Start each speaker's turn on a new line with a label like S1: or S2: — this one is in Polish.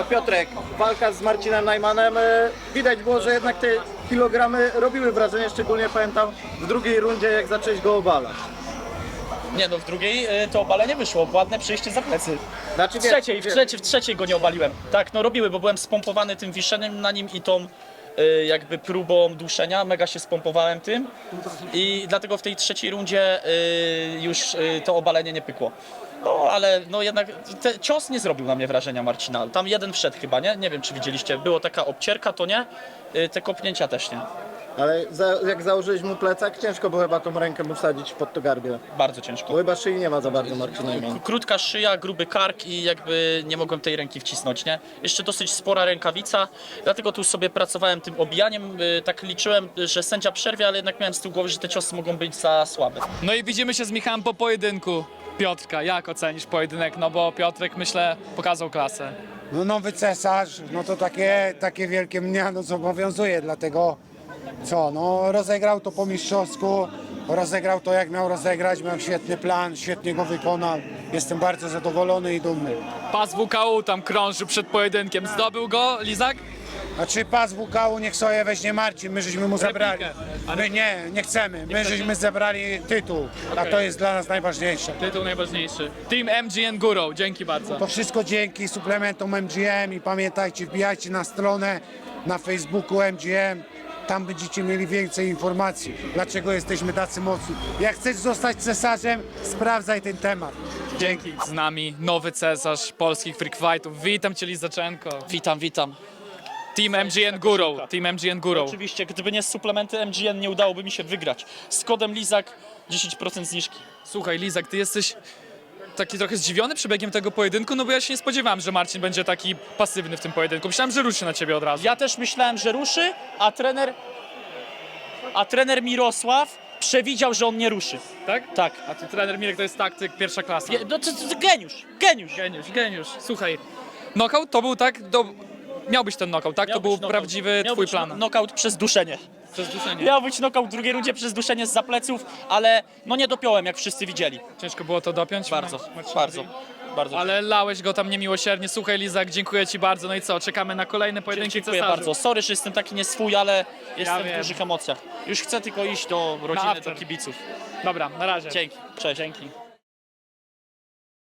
S1: Piotrek, walka z Marcinem Najmanem, widać było, że jednak te kilogramy robiły wrażenie, szczególnie pamiętam w drugiej rundzie, jak zacząłeś go obalać.
S2: Nie no, w drugiej to obalenie wyszło, ładne przejście za plecy.
S1: Znaczy,
S2: W trzeciej go nie obaliłem. Tak, no robiły, bo byłem spompowany tym wiszeniem na nim i tą jakby próbą duszenia, mega się spompowałem tym i dlatego w tej trzeciej rundzie już to obalenie nie pykło. No ale no jednak cios nie zrobił na mnie wrażenia Marcina. Tam jeden wszedł chyba, nie? Nie wiem czy widzieliście, było taka obcierka, to nie? Te kopnięcia też nie.
S1: Ale jak założyłeś mu plecak, ciężko było chyba tą rękę mu wsadzić pod to gardło.
S2: Bardzo ciężko.
S1: Bo chyba szyi nie ma za bardzo Marcin Najman.
S2: Krótka szyja, gruby kark i jakby nie mogłem tej ręki wcisnąć, nie? Jeszcze dosyć spora rękawica, dlatego tu sobie pracowałem tym obijaniem, tak liczyłem, że sędzia przerwie, ale jednak miałem z tyłu głowy, że te ciosy mogą być za słabe.
S3: No i widzimy się z Michałem po pojedynku. Piotrka, jak ocenisz pojedynek? No bo Piotrek, myślę, pokazał klasę.
S4: No nowy cesarz, no to takie wielkie mnie no, zobowiązuje, dlatego co, no rozegrał to po mistrzowsku, rozegrał to jak miał rozegrać, miał świetny plan, świetnie go wykonał, jestem bardzo zadowolony i dumny.
S3: Pas WKU tam krążył przed pojedynkiem. Zdobył go Lizak?
S4: Znaczy pas WKU niech sobie weźmie Marcin, my żeśmy mu zabrali.
S3: Ale-
S4: My nie chcemy, my żeśmy zebrali tytuł, a to jest dla nas najważniejsze.
S3: Tytuł najważniejszy. Team MGN Górą, dzięki bardzo.
S4: To wszystko dzięki suplementom MGM i pamiętajcie, wbijajcie na stronę na Facebooku MGM. Tam będziecie mieli więcej informacji, dlaczego jesteśmy tacy mocni. Jak chcesz zostać cesarzem, sprawdzaj ten temat. Dzięki.
S3: Z nami nowy cesarz polskich freak fightów. Witam cię Lizaczenko.
S2: Witam.
S3: Team MGN Górą. Team MGN Górą.
S2: Oczywiście, gdyby nie suplementy MGN nie udałoby mi się wygrać. Z kodem Lizak 10% zniżki.
S3: Słuchaj Lizak, ty jesteś taki trochę zdziwiony przebiegiem tego pojedynku, no bo ja się nie spodziewałem, że Marcin będzie taki pasywny w tym pojedynku. Myślałem, że ruszy na ciebie od razu.
S2: Ja też myślałem, że ruszy, a trener Mirosław przewidział, że on nie ruszy.
S3: Tak?
S2: Tak.
S3: A ty trener Mirek to jest taktyk pierwsza klasa.
S2: No to geniusz.
S3: Geniusz. Słuchaj, knockout to był tak, miał być ten knockout, tak?
S2: Miał
S3: To był
S2: być knockout.
S3: prawdziwy
S2: Miał
S3: twój
S2: być
S3: plan.
S2: Knockout przez duszenie.
S3: Przez duszenie.
S2: Miał być knockout w drugiej rundzie przez duszenie z zapleców, ale no nie dopiąłem, jak wszyscy widzieli.
S3: Ciężko było to dopiąć?
S2: Bardzo.
S3: Ale lałeś go tam niemiłosiernie. Słuchaj Lizak, dziękuję ci bardzo. No i co, czekamy na kolejne pojedynki
S2: Dziękuję
S3: cesarzy.
S2: bardzo. Sorry, że jestem taki nieswój, ale jestem
S3: wiem.
S2: w dużych emocjach. Już chcę tylko iść do rodziny, do
S3: after.
S2: kibiców.
S3: Dobra, na razie.
S2: Dzięki. Cześć. Dzięki.